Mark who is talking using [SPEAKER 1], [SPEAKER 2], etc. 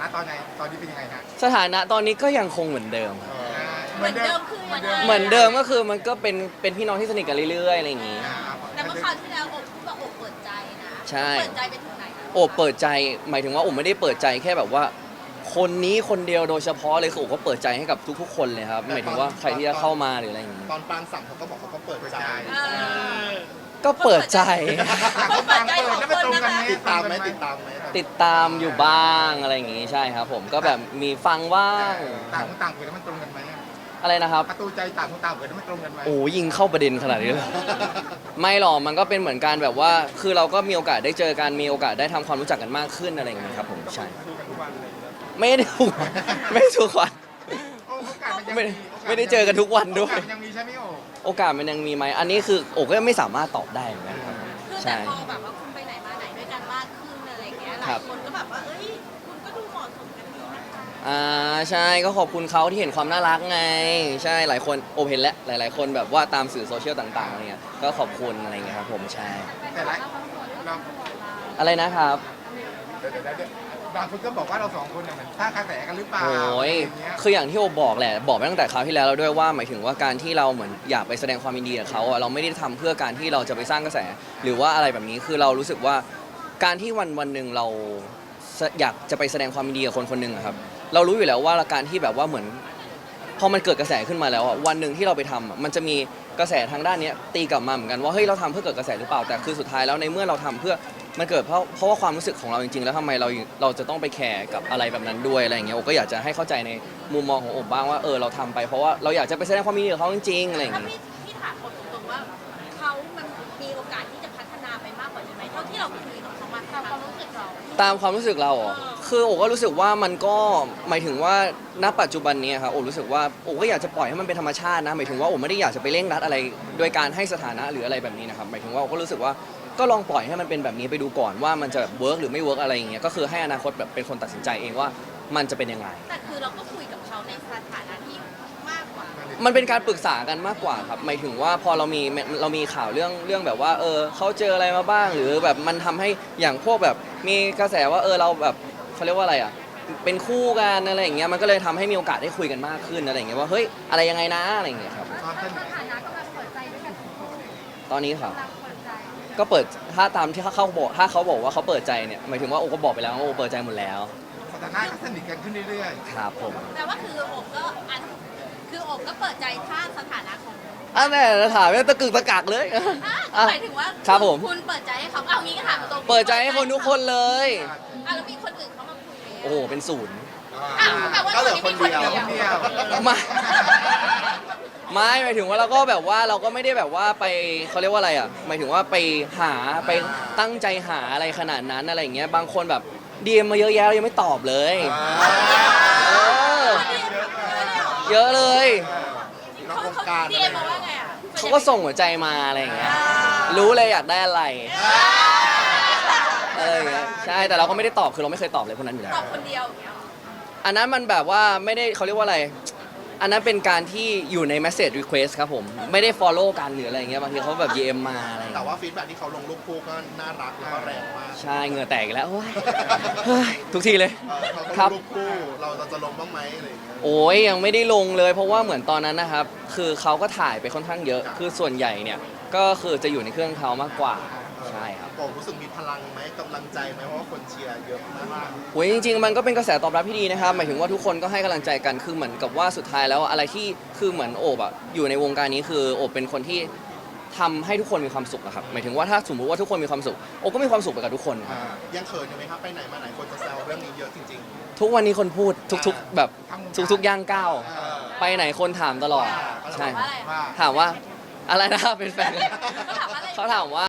[SPEAKER 1] นะตอนนี้เป็นยังไงฮะ
[SPEAKER 2] สถานะตอนนี้ก็ยังคงเหมือนเดิม
[SPEAKER 1] เหมือนเดิมคือ
[SPEAKER 2] เหมือนเดิมก็คือมันก็เป็นพี่น้องที่สนิทกันเรื่อยๆอะไรอย่างงี้
[SPEAKER 3] แต่เมื่อคราวที่แล้วโอบพูดว่าโอบเปิดใจนะ
[SPEAKER 2] ใช่
[SPEAKER 3] เปิดใจไปถึงไหนนะ
[SPEAKER 2] โอบเปิดใจหมายถึงว่าโอบไม่ได้เปิดใจแค่แบบว่า คนนี้คนเดียวโดยเฉพาะเลยคือโอบก็เปิดใจให้กับทุกๆคนเลยครับหมายถึงว่าใครที่จะเข้ามาหรืออะไรอย่างงี้
[SPEAKER 4] ตอนปางสั่งเขาก็บอกเขาก็เปิดใจ
[SPEAKER 2] ก็เปิดใจ
[SPEAKER 3] เปิดใจของคนนะคะ
[SPEAKER 4] ติดตามไหม
[SPEAKER 2] ติดตามอยู่บ้างอะไรอย่างงี้ใช่ครับผมก็แบบมีฟังว่าง
[SPEAKER 1] ต่างคนต่างเกิดแล้วมันตรงกันไหม
[SPEAKER 2] อะไรนะครับ
[SPEAKER 1] ประตูใจต่างคนต่างเกิดแล้วมันตรงกันไหม
[SPEAKER 2] โอ้ยิงเข้าประเด็นขนาดนี้เลย ไม่หรอกมันก็เป็นเหมือนกันแบบว่า คือเราก็มีโอกาสได้เจอกันมีโอกาสได้ทำความรู้จักกันมากขึ้นอะไรอย่างเงี้ยครับผมใช่
[SPEAKER 1] ดูกันทุกวันเลย
[SPEAKER 2] ไม่ได้ทุกวันไม่ได้ทุกวัน
[SPEAKER 1] โอ้โอกาสมันยัง
[SPEAKER 2] ไม่ได้เจอกันทุกวันด้วย
[SPEAKER 1] โอกาสมันยังมีใช่ไหมโอ้
[SPEAKER 2] โอกาสมันยังมีไหมอันนี้คือโอ้ก็ไม่สามารถตอบได้เหมือนกันครับ
[SPEAKER 3] คือแต่
[SPEAKER 2] ใช่
[SPEAKER 3] พอแบบว่าคุณไปไหนมาไหนด้วยกันมากขึ้นอะไรอย่างเงี้ยห
[SPEAKER 2] ครั
[SPEAKER 3] ลาย
[SPEAKER 2] บ
[SPEAKER 3] คนก็แบบว่าเอ้ยคุณก็ดูเหมาะสมกันดีนะคะ
[SPEAKER 2] ใช่ก็ขอบคุณเขาที่เห็นความน่ารักไง ใช่หลายคนโอเห็นแล้วหลาย ๆ คนแบบว่าตามสื่อโซเชียลต่างๆอะไรเงี้ยก็ขอบคุณอะไรเงี้ยครับผมใช่
[SPEAKER 1] แต่ละเรา
[SPEAKER 2] อะไรนะครับ
[SPEAKER 1] เดี๋ยวบางคนก็บอกว่าเราสองคนเนี่ยเหมือนสร้างกระแสกันหรือเปล่า
[SPEAKER 2] โอ้ย
[SPEAKER 1] ะไรางเงี้ย
[SPEAKER 2] คืออย่างที่โอบอกแหละ บอกไปตั้งแต่คราวที่แล้วแล้วด้วยว่าหมายถึงว่าการที่เราเหมือนอยากไปแสดงความยินดีกับเขาอะเราไม่ได้ทำเพื่อการที่เราจะไปสร้างกระแส หรือว่าอะไรแบบนี้ คือเรารู้สึกว่าการที่วันหนึ่งเราอยากจะไปแสดงความยินดีกับคนคนหนึ่งอะครับ เรารู้อยู่แล้วว่าการที่แบบว่าเหมือนพอมันเกิดกระแสขึ้นมาแล้วอะวันหนึ่งที่เราไปทำอะมันจะมีกระแสทางด้านเนี้ยตีกลับมาเหมือนกันว่าเฮ้ยเราทำเพื่อเกิดกระแสหรือเปล่า แต่คือสุดท้ายแล้วในเมื่อเราทำเพื่อมันเกิดเพราะว่าความรู้สึกของเราจริงๆแล้วทำไมเราจะต้องไปแคร์กับอะไรแบบนั้นด้วยอะไรอย่างเงี้ยโอก็อยากจะให้เข้าใจในมุมมองของโอบบ้างว่าเราทำไปเพราะว่าเราอยากจะไปแสดงความยินดีกับเขาจริงๆอะไรอย่าง
[SPEAKER 3] ถ้า
[SPEAKER 2] เงี้ย
[SPEAKER 3] พี่ถามคนตรงๆว่าเขามันมีโอกาสที่จะพัฒนาไปมากกว่านี้ไหมเท่าที่เราคุยกับเขามาตามความรู้สึกเรา
[SPEAKER 2] ตามความรู้สึกเราเหรอคือโอก็รู้สึกว่ามันก็หมายถึงว่าณปัจจุบันนี้ครับโอรู้สึกว่าโอก็อยากจะปล่อยให้มันเป็นธรรมชาตินะหมายถึงว่าโอไม่ได้อยากจะไปเร่งรัดอะไรโดยการให้สถานะหรืออะไรแบบนี้นะครับหมายถึงว่าโอก็รู้สึกว่าก็ลองปล่อยให้มันเป็นแบบนี้ไปดูก่อนว่ามันจะเวิร์กหรือไม่เวิร์กอะไรอย่างเงี้ยก็คือให้อนาคตแบบเป็นคนตัดสินใจเองว่ามันจะเป็นยังไง
[SPEAKER 3] แต่คือเราก็คุยกับเขาในสถานะที่มากกว่า
[SPEAKER 2] มันเป็นการปรึกษากันมากกว่าครับหมายถึงว่าพอเรามีข่าวเรื่องแบบว่าเขาเจออะไรมาบ้างหรือแบบมันทำให้อย่างพวกแบบมีกระแสว่าเราแบบเขาเรียกว่าอะไรอ่ะเป็นคู่กันอะไรอย่างเงี้ยมันก็เลยทำให้มีโอกาสได้คุยกันมากขึ้นอะไรอย่างเงี้ยว่าเฮ้ยอะไรยังไงนะอะไรอย่างเงี้ยครับ
[SPEAKER 1] ตอนต้น
[SPEAKER 3] สถานะกำลังเปิดใจด้วยกัน
[SPEAKER 2] ตอนนี้ครับ
[SPEAKER 3] กำลังเปิดใจ
[SPEAKER 2] ก็เปิดถ้าตามที่เขาบอกถ้าเขาบอกว่าเขาเปิดใจเนี่ยหมายถึงว่าโอก็บอกไปแล้วว่าโอเปิดใจหมดแล้ว
[SPEAKER 1] สถานะก็สนิทกันขึ้นเรื่อย
[SPEAKER 2] ครับผม
[SPEAKER 3] แต่ว่าคือโอบก็คือโอบก็เปิดใจถ้าสถานะของ
[SPEAKER 2] แน่ถามไม่ตะกึกตะกักเลย
[SPEAKER 3] หมายถึงว่า
[SPEAKER 2] ครับผม
[SPEAKER 3] คุณเปิดใจให้เขาเอางี้ก็ถามตรงๆ
[SPEAKER 2] เปิดใจให้คนทุกคนเลย
[SPEAKER 3] แล้วมีคนอื่นเขามาคุยไหม
[SPEAKER 2] โอ้โหเป็นศูนย์
[SPEAKER 3] แปลว่า
[SPEAKER 4] ก็เหลือคนเดียว
[SPEAKER 1] ๆคนเดียว
[SPEAKER 2] ไม่หมายถึงว่าเราก็แบบว่าเราก็ไม่ได้แบบว่าไปเขาเรียกว่าอะไรอ่ะหมายถึงว่าไปหาไปตั้งใจหาอะไรขนาดนั้นอะไรอย่างเงี้ยบางคนแบบดีมมาเยอะแยะเรายังไม่ตอบเลยเออเยอะเลย
[SPEAKER 4] นอกวงการ
[SPEAKER 3] เดียมาว่าไงอ่ะ
[SPEAKER 2] เขาก็ส่งหัวใจมาอะไรอย่างเงี้ยรู้เลยอยากได้อะไรอะไรอย่างเงี้ยใช่แต่เราก็ไม่ได้ตอบคือเราไม่เคยตอบเลยพวกนั้นอยู่แล้
[SPEAKER 3] ต
[SPEAKER 2] ว
[SPEAKER 3] อบคนเดียวอย่างเงี้ย
[SPEAKER 2] อันนั้นมันแบบว่าไม่ได้เขาเรียกว่าอะไร อันนั้นเป็นการที่อยู่ใน message request ครับผม ไม่ได้ follow กันหรืออะไรอย่างเงี้ย บางทีเขาแบบ DM มาอะไรอย่าง
[SPEAKER 4] แต่
[SPEAKER 2] เงี้ย
[SPEAKER 4] ว่าฟีดแบ็กที่เขาลงรูปคู่ก็น่ารักแล้วก็แรงมาก
[SPEAKER 2] ใช่ เหงื่อแตกอีกแล้วโอ้ยเฮ้ยทุกทีเลย
[SPEAKER 4] เขาก็
[SPEAKER 2] ครับ
[SPEAKER 4] รูปคู่เราจะลงบ้างไหมอะไรอย่างเงี้ย
[SPEAKER 2] โอ้ยยังไม่ได้ลงเลย เพราะว่าเหมือนตอนนั้นนะครับ คือเขาก็ถ่ายไปค่อนข้างเยอะ คือส่วนใหญ่เนี่ย ก็คือจะอยู่ในเครื่องเขามากกว่า ใช่ครับ
[SPEAKER 4] ผมรู้สึกมีพลังไหมกำลังใจไหมเพราะว่าคนเชียร์เยอะมาก
[SPEAKER 2] โอ้ยจริงๆมันก็เป็นกระแสตอบรับที่ดีนะครับหมายถึงว่าทุกคนก็ให้กำลังใจกันคือเหมือนกับว่าสุดท้ายแล้วอะไรที่คือเหมือนโอบอะอยู่ในวงการนี้คือโอบเป็นคนที่ทำให้ทุกคนมีความสุขอะครับหมายถึงว่าถ้าสมมติว่าทุกคนมีความสุขโอบก็มีความสุขไปกับทุกคนครับ
[SPEAKER 4] ยังเขินอยู่ไหมครับไปไหนมาไหนคนจะแซวเรื่องนี้เยอะจริง
[SPEAKER 2] ทุกวันนี้คนพูดทุกๆแบบทุกๆย่างก้าว
[SPEAKER 4] ๆ
[SPEAKER 2] ไปไหนคนถามตลอดใช่
[SPEAKER 3] ว่าอะไร
[SPEAKER 1] ว่า
[SPEAKER 2] ถามว่าอะไรนะเป็นแฟน
[SPEAKER 3] เขาถามว่าอะไร
[SPEAKER 2] เขาถามว่า